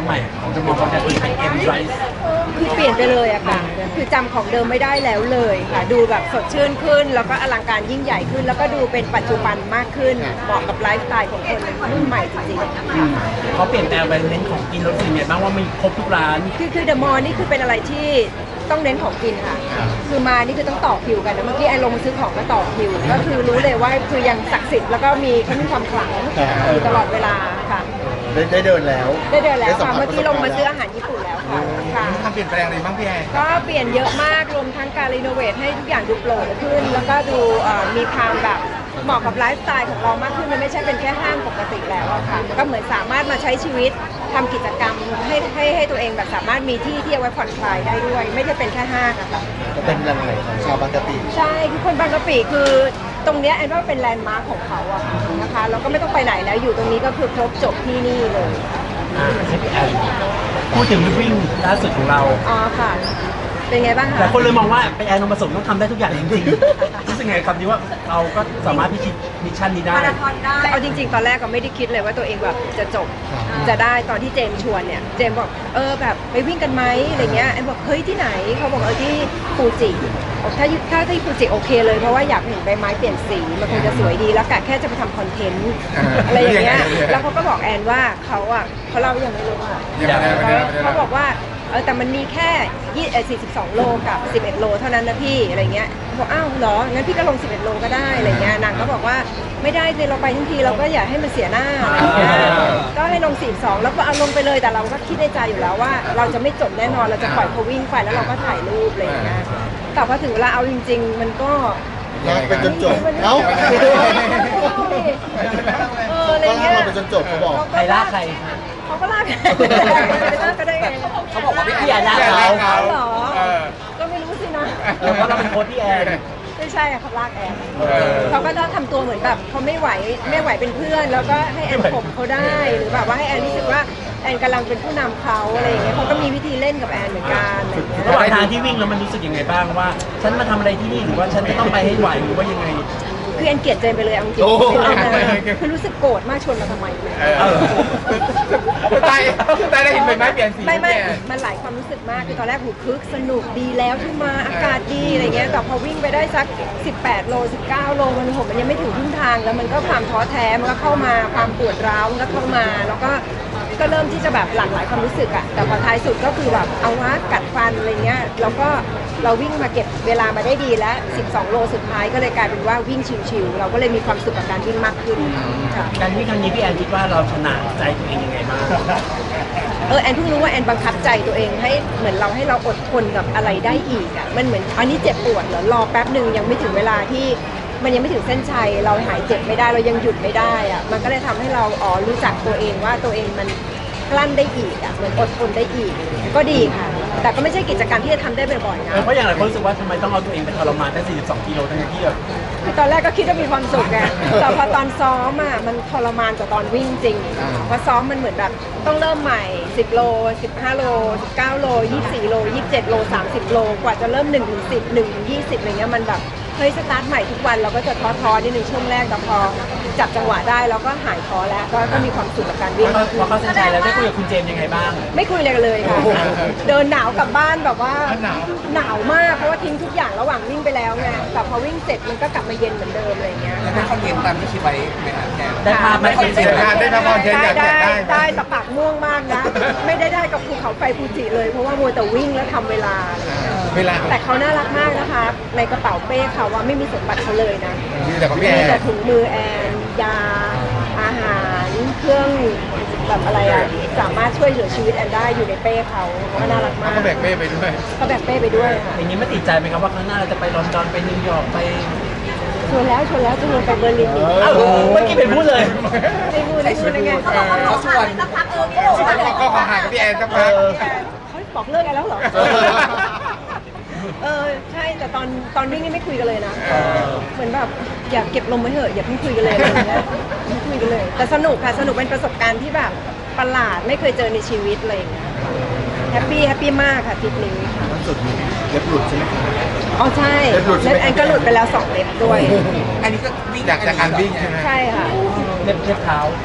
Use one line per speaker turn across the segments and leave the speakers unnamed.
ใหม่ของจะมองเขาจะเป็นเอ็มไรส์
คือเปลี่ยนไปเลยอะค่ะคือจำของเดิมไม่ได้แล้วเลยค่ะดูแบบสดชื่นขึ้นแล้วก็อลังการยิ่งใหญ่ขึ้นแล้วก็ดูเป็นปัจจุบันมากขึ้นเหมาะกับไลฟ์สไตล์ของคนรุ่นใหม่จริงๆค่ะ
เขาเปลี่ยนแปลงไปเน้นของกินรสเนี่ยบ้างว่ามีครบทุกร้าน
คือเดอะมอลล์นี่คือเป็นอะไรที่ต้องเน้นของกินค่ะคือมานี่คือต้องต่อคิวกันนะเมื่อกี้ไอ้ลงมาซื้อของก็ต่อคิวก็คือรู้เลยว่าคือยังศักดิ์สิทธิ์แล้วก็เขามีความขลังอยู่ตลอดเวลาค่ะ
ได้เดินแล้ว
ได้เดินแล้ว
สั
ค่ะ
ผัส
เมื่อกี้ลงมาซื้อ
ประสบกรณ์
อาหารญี่ปุ่นแล้วค่ะค่ะ
มีความเปลี่ยนแปลงอะไรบ้างพี่แอน
ก็เปลี่ยนเยอะมากรวมทั้งการรีโนเวทให้ทุกอย่างดูโปร่งขึ้น แล้วก็ดูมีความแบบเหมาะกับไลฟ์สไตล์ของเรามากขึ้นมันไม่ใช่เป็นแค่ห้างปกติแล้วอะค่ะก็เหมือนสามารถมาใช้ชีวิตทำกิจกรรมให้ตัวเองแบบสามารถมีที่ที่เอาไว้ผ่อนคลายได้ด้วย ไม่ได้เป็นแค่ห้างอะค่ะ
ก็เป็นแหล่งใหม่ของชาวบางกะปิ
ใช่คือคนบางกะปิคือตรงเนี้ยแอนว่าเป็นแลนด์มาร์คของเขาอะค่ะนะคะแล้วก็ไม่ต้องไปไหนแล้วอยู่ตรงนี้ก็คือครบจบที่นี่เลย
ให้พี่แอนพูดถึงวิ่งล่าสุดของเรา
อ๋อค่ะ เป็นไงบ้างคะ
แต่คนเลยมองว่าไปแอนนมผสมต้องทำได้ทุกอย่างจริงๆรู้สึกไงคำนี้ว่าเราก็สามารถพิชิตมิชชั่นนี้ได้
แต่เอาจริงๆ ตอนแรกก็ไม่ได้คิดเลยว่าตัวเองแบบจะจบจะได้ตอนที่เจมส์ชวนเนี่ยเจมส์บอกแบบไปวิ่งกันไหมอะไรเงี้ยแอนบอกเฮ้ยที่ไหนเขาบอกที่ฟูจิบอกถ้าที่ฟูจิโอเคเลยเพราะว่าอยากเห็นใบไม้เปลี่ยนสีมันคงจะสวยดีแล้วกะแค่จะไปทำคอนเทนต์อะไรอย่างเงี้ยแล้วเขาก็บอกแอนว่าเขาเล่ายังไม่รู้ค่ะเขาบอกว่าแต่มันมีแค่42 โลกับ 11 โลเท่านั้นนะพี่อะไรเงี้ยบอกอ้าวเหรองั้นพี่ก็ลง 11 โลก็ได้อะไรเงี้ยนางก็บอกว่าไม่ได้สิเราไปทั้งทีเราก็อย่าให้มันเสียหน้าอะไรเงี้ยก็ให้ลง 42 แล้วก็เอาลงไปเลยแต่เราก็คิดในใจอยู่แล้วว่าเราจะไม่จบแน่นอนเราจะปล่อยเขาวิ่งไปแล้วเราก็ถ่ายรูปอะไรเงี้ยแต่พอถึงเวลาเอาจริงๆมันก็
ลากไปจนจบเอ้า
อะไร
ก็ลาก
เงี้ย
เราไปจนจบเขาบอก
ใครล่าใคร
เขาก็ลากไปลากก็ได้ไง
เขาบอกว่าพี่แอนล่าเขา
เหรอก็ไม่รู้สินะ
เพราะเราเป็นโค้ชพี่แอน
ไม่ใช่เขาลากแอนเขาก็ต้องทำตัวเหมือนแบบเขาไม่ไหวเป็นเพื่อน แล้วก็ให้แอนข่มเขาได้หรือแบบว่าให้แอนรู้สึกว่าแอนกำลังเป็นผู้นำเขาอะไรอย่างเงี้ยเขาก็มีวิธีเล่นกับแอนเหมือนกันอะไรอย่างเงี้ย
ระหว่างทางที่วิ่งแล้วมันรู้สึกยังไงบ้างว่า ฉันมาทำอะไรที่นี่หรือว่าฉันจะต้องไปให้ไหวหรือว่ายังไง
คือแอนเกลียดเจนไปเลยเอาจริง
โอ้
ๆคือรู้สึกโกรธมากชวนมาทำไม
ตายได้เห็นใบไม้เปลี่ยนสี
ไม่
เนี่ย
มันหลายความรู้สึกมากคือตอนแรกหูคึกสนุกดีแล้วที่มาอากาศดีอะไรเงี้ยแต่พอวิ่งไปได้สัก18 โล 19 โลมันยังไม่ถึงครึ่งทางแล้วมันก็ความท้อแท้มันก็เข้ามาความปวดร้าวมันก็เข้ามาแล้วก็เริ่มที่จะแบบหลากหลายความรู้สึกอะแต่พอท้ายสุดก็คือแบบเอาวะกัดฟันอะไรเงี้ยแล้วก็เราวิ่งมาเก็บเวลามาได้ดีแล้ว12 โลสุดท้ายก็เลยกลายเป็นว่าวิ่งชิวๆเราก็เลยมีความสุขกับการวิ่งมากขึ้นค่ะ
การวิ่งครั้งนี้พี่แอนคิดว่าเราชนะใจตัวเองยังไงบ้าง
แอนเพิ่งรู้ว่าแอนบังคับใจตัวเองให้เหมือนเราอดทนกับอะไรได้อีกอ่ะมันเหมือนอันนี้เจ็บปวดเหรอรอแป๊บหนึ่งยังไม่ถึงเวลาที่มันยังไม่ถึงเส้นชัยเราหายเจ็บไม่ได้เรายังหยุดไม่ได้อ่ะมันก็เลยทำให้เรารู้จักตัวเองว่าตัวเองมันกลั้นได้อีกอ่ะเหมือนอดทนได้อีกก็ดีค่ะแต่ก็ไม่ใช่กิจกรรมที่จะทำได้บ่อยๆนะ
เพราะอย่างไรคนรู้สึกว่าทำไมต้องเอาตัวเองไปทรมานแค่42 กิโลทั้งที่แบบ
คือตอนแรกก็คิดว่ามีความสุขไงแต่พอตอนซ้อมอ่ะมันทรมานกว่าตอนวิ่งจริงเพราะซ้อมมันเหมือนแบบต้องเริ่มใหม่10 โล 15 โล 19 โล 24 โล 27 โล 30 โลกว่าจะเริ่ม1 ถึง 10 1 ถึง 20อะไรเงี้ยมันแบบเฮ้ยสตาร์ทใหม่ทุกวันเราก็จะท้อๆนิดนึงช่วงแรกแต่พอจับจังหวะได้เราก็หายท้อแล้วก็มีความสุขกับการวิ่ง
พอเข้าเส้นชัยแล้วได้คุยกับคุณเจมส์ยังไงบ้าง
ไม่คุยอะไรกันเลยค่ะ เดินหนาวกลับบ้านแบบว่าหนาวมากเพราะว่าทิ้งทุกอย่างระหว่างวิ่งไปแล้วไงแต่พอวิ่งเสร็จมันก็กลับมาเย็นเหมือนเดิมอะไรเงี้ย
แล้วได้คอนเทนต์ตามที่คิดไว้ไหมครับแก
ได้ภาพไหม
ได้ภาพคอนเทนต์อยากได้
ได้แต่ปากม่วงมากนะ ไม่ได้กับภูเขาไฟฟูจิเลยเพราะว่ามัวแต่วิ่งแล้วทำเวลา
เวลา
แต่เขาน่ารักมากนะคะ ในกระเป๋าเป้เขาว่าไม่มีสมบัติเขาเลยนะ
มีแต่ของพี่แอ
มี
น
แต่ถุงมือแอนยาอาหารเครื่องแบบอะไรอะสามารถช่วยเหลือชีวิตแอนได้อยู่ในเป้เขาก็น่ารักมาก
ก็แบกเป้ไปด้วย
เขาแบกเป้ไปด้วยค่ะ
อย่างนี้ไม่ติดใจไหมครับว่าครั้งหน้าเราจะไปลอนดอนไปนิวยอร์กไป
ชวนแล้วจะลงไปเบอร์ลินอีก
อ้าวเมื่อกี้เป็นพูดเลย
ไม่พูดเลยไง
เขาชวนก็ขอหากับพี่แอนสักพัก
เขาบอกเลิกกันแล้วเหรอ ใช่แต่ตอนวิ่งนี่ไม่คุยกันเลยนะเหมือนแบบอยากเก็บลมไว้เถอะอย่าเพิ่งคุยกันเลยอะไรอย่างเงี้ยไม่คุยกันเลยแต่สนุกค่ะสนุกเป็นประสบการณ์ที่แบบประหลาดไม่เคยเจอในชีวิตอะไรอย่างเงี้ยแฮปปี้มากค่ะทริปนี้
ล่าสุดมีเล็บหลุดใช่ไหมครับ
อ๋อใช่
เล็บหลุดใช่ไหม
แอนก็หลุดไปแล้ว2 เล็บด้วย
อันนี้ก็วิ่งจากการวิ่งใช่ไหม
ใช่ค่ะ
เล็บเท้า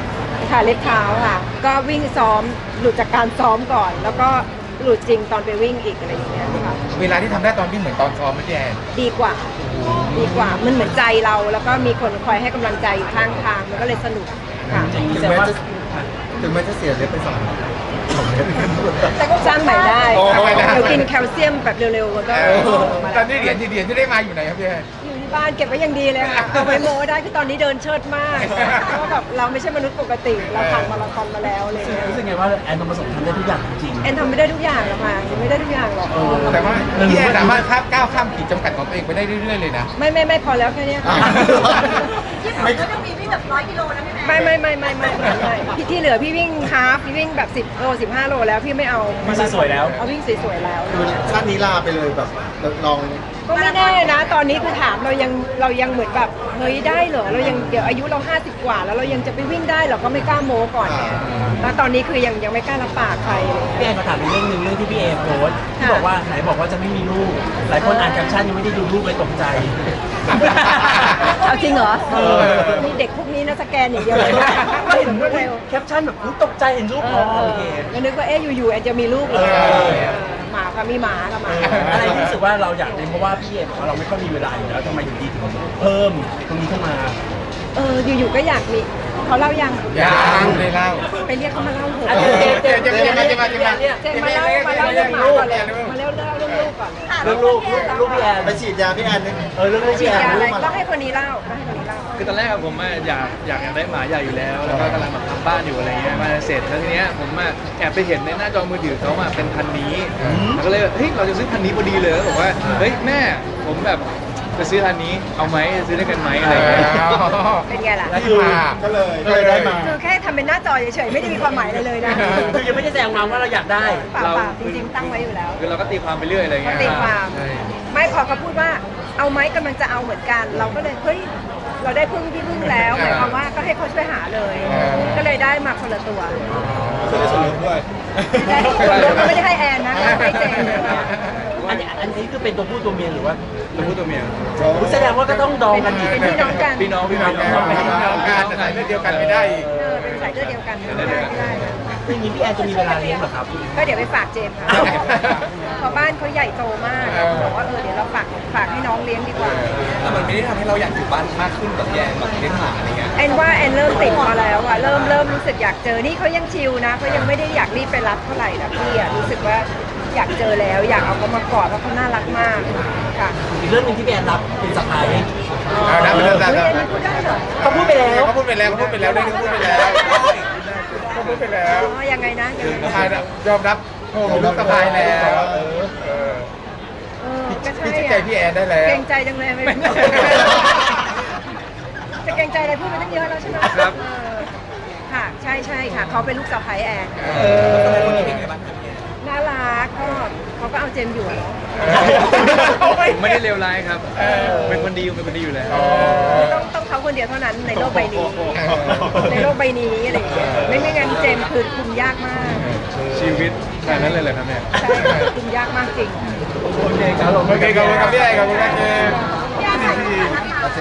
ค่ะเล็บเท้าค่ะ ก็วิ่งซ้อมหลุดจากการซ้อมก่อน แล้วก็หลุดจริงตอนไปวิ่งอีกอะไรอย่างเงี้ยค่ะ
เวลาที่ทำได้ตอนวิ่งเหมือนตอนซ้อมไหมพี่แอน
ดีกว่ามันเหมือนใจเราแล้วก็มีคนคอยให้กำลังใจอยู่ข้างทางมันก็เลยสนุกค่ะ
อย่างนี้
ถึง
แสดง
แม้
ว่า
จะถึงแม้จะเสียเล็บไป2 เล็บ
แต่ก็สร้างใหม่ได้
โอ้ยนะ
เดี๋ยวกินแคลเซียมแบบเร็วๆมันก็มา
ตอ
ได้
นนี้เหรียญที่ได้มาอยู่ไหนครับพี่แอน
อยู่ที่บ้านเก็บไว้อย่างดีเลยค่ะเอาไว้โม้ได้คือตอนนี้เดินเชิดมากเพราะว่าแบบเราไม่ใช่มนุษย์ปกติเราผ่านมาราธอนมาแล้วอะไรเลย
รู้สึกไงว่าแอนทองผสมทำได้ทุกอย่างจริง
แอนทำไม่ได้ทุกอย่างหรอกค่ะยังไม่ได้ทุกอย่างหรอก
แต่ว่าพี่แอนสามารถก้าวข้ามขีดจำกัดของตัวเองไปได้เรื่อยๆเลยนะ
ไม่พอแล้วแค่เนี้ยค่ะ
ไม่
ก็จะมีวิ่งแบบ100 กิโลนะพี่แม่
ไม่พี่ที่เหลือพี่วิ่งฮาล์ฟพี่วิ่งแบบ10 โล 15 โลแล้วพี่ไม่เอา
วิ่งสวยๆแล้ว
เอาวิ่งสวยๆแล้ว
คือชาตินี้ลาไปเลยแบบลอง
ก็ไม่แน่นะ ตอนนี้คือถามเรายังเหมือนแบบเฮ้ยได้เหรอเรายังเดี๋ยวอายุเรา50 กว่า แล้วเรายังจะไปวิ่งได้เราก็ไม่กล้าโม้ก่อนไงแล้วตอนนี้คือยังไม่กล้ารับปากใครเลย
พี่แอนมาถามอีกเรื่องหนึ่งเรื่องที่พี่เอโพสต์ที่บอกว่าไหนบอกว่าจะไม่มีลูก หลายคนอ่านแคปชั่นยังไม่ได้ดูรูปเลยตกใจ
เอาจริงเหรอ
เออ
นี่เด็กพวกนี้นะสแกนอย่างเดียวเลยนะ
ไม่เห็น
รวดเร็ว
แคปชั่นแบบอุ๊ยตกใจเห็นรูปอ๋อโอเค
ก็นึกว่าอยู่ๆแอนจะมีลูกอีก
เออ
หมาค่ะมีหมาค่ะหมา
อะไรที่รู้สึกว่าเราอยากเรียนเพราะว่าพี่เอบอกว่าเราไม่ค่อยมีเวลาอยู่แล้วทำไมอยู่ดีถึงเพิ่มตรงนี้ขึ้นมา
อยู่ๆก็อยากมีเขาเล่ายัง
ยังเลยเล่า
ไปเรียกเขามาเล่าเถอะ
อ่ะเจมส์
เจมมาเล่าเรื่องหมาก่อนเลยมาเล่าเรื่องลูกก่อน
เรื่องลูกพี่แอน
ไปฉีดยาพี่แอนนึง
เรื่องลูก
ฉี
พี่
ด
แอน
ยาอะไร
ลูกมา
ต้องให้คนนี้เล่าต้องให้คนนี้เล่า
คือตอนแรกอะผมอะอยากได้หมาใหญ่อยู่แล้ว แล้วก็กำลังแบบทำบ้านอยู่อะไรเงี้ยมาเสร็จแล้วทีเนี้ยผมอะแอบไปเห็นในหน้าจอมือถือเขาอะเป็นพันธุ์นี้แล้วก็เลยเฮ้ยเราจะซื้อพันธุ์นี้พอดีเลยแล้วบอกว่าเฮ้ยแม่ผมแบบจะซื้อพันธุ์นี้เอาไหมจะซื้อด้วยกันไหมอะไรเงี้ย
เป็นไงล่ะ
แล้วคือ
ก็เลยได้มา
คือแค่ทำเป็นหน้าจอเฉยๆไม่ได้มีความหมายอะไรเลยนะ
คือยังไม่ได้แสดงมาว่าเราอยากได้
เปล่าๆจริงๆตั้งไว้อยู่แล้ว
คือเราก็ตีความไปเรื่อยอะไรเงี้ย
ตีความ
ใช่
ไม่พอเขาพูดว่าเอาไหมกำลังจะเอาเหมือนกัน เราก็เลยเฮ้ยเราได้พึ่งที่พึ่งแล้วหมายความว่าก็ให้เขาช่วยหาเลย ก็เลยได้มาคนละตัว
ก็ได้ส่วนลดด้วย
ได้ส่วนลดไม่ได้ให้แอนนะให้เจน
อันนี้คือเป็นตัวผู้ตัวเมียหรือว่า
ตัวผู้ตัวเมีย
อุ๊ยแสดงว่าก็ต้องดองกันอีก
เป็นพี่น้องกัน
พี่น้อง
พี่น้องกันแต่สายเลือดเดียวกันไม่ได้อีก
เป็นสายเลือดเดียวกันไม่ได้นะ
อย่างนี้พี่แอนจะมีเวลาเลี้ยงเหรอครับ
ก็เดี๋ยวไปฝากเจมส์ค่ะเพราะบ้านเขาใหญ่โตมากเราบอกว่าเดี๋ยวเราฝากให้น้องเลี้ยงดีกว่า
แล้วมันไม่ได้ทำให้เราอยากอยู่บ้านมากขึ้นแบบแย่แบบเลี้ยงหมาอะไรเงี้ย
แอนว่าแอนเริ่มติดมาแล้วอะเริ่มรู้สึกอยากเจอนี่เขายังชิลนะเขายังไม่ได้อยากรีบไปรับเท่าไหร่นะพี่อะรู้สึกว่าอยากเจอแล้วอยากเอาเขามากอดเพราะเขาน่ารักมากค่ะ
อีกเรื่องหนึงที่พี่แอนรับเป็นสะพาย
เอานะไปเริ่ม
เฮ้ย
แล้ว
อันนี้พูดได้เหรอ
เขาพูดไปแล้ว
เขาพูดไปแล้วเขาพูดไปแล้วได้พูดไปแล้วเขาพูดไปแล้ว
อ๋อยังไงนะยังไง
สะพายยอมรับโอ้ผมรับสะพายแล้ว
ก็ใช่
พี่ชื่นใจ
อะ
พี่แอนได้แล้ว
เกรงใจจังเลยไม่จะเกรงใจอะไรพูดไปตั้งเยอะแล้วใช่ไหม
ครับ
ค่ะใช่ค่ะเขาเป็นลูกสะใภ้แอนน่ารักก็เขาก็เอาเจมส์อยู่อะเนาะ
ผมไม่ได้เลวร้ายครับเป็นคนดีอยู่แล้ว
ต้องเขาคนเดียวเท่านั้นในโลกใบนี้ในโลกใบนี้อะไรอย่างเงี้ยไม่งั้นเจมส์คือคุมยากมาก
ชีวิตแค่นั้นเลยเหรอครับเนี่ย
ใช่ค่ะคุมยากมากจริง
โอเคครับผม
โอเคขอบคุณครับพี่แอนขอบคุณครับเจม
พี่แอนถ่ายรูปก่อนนะ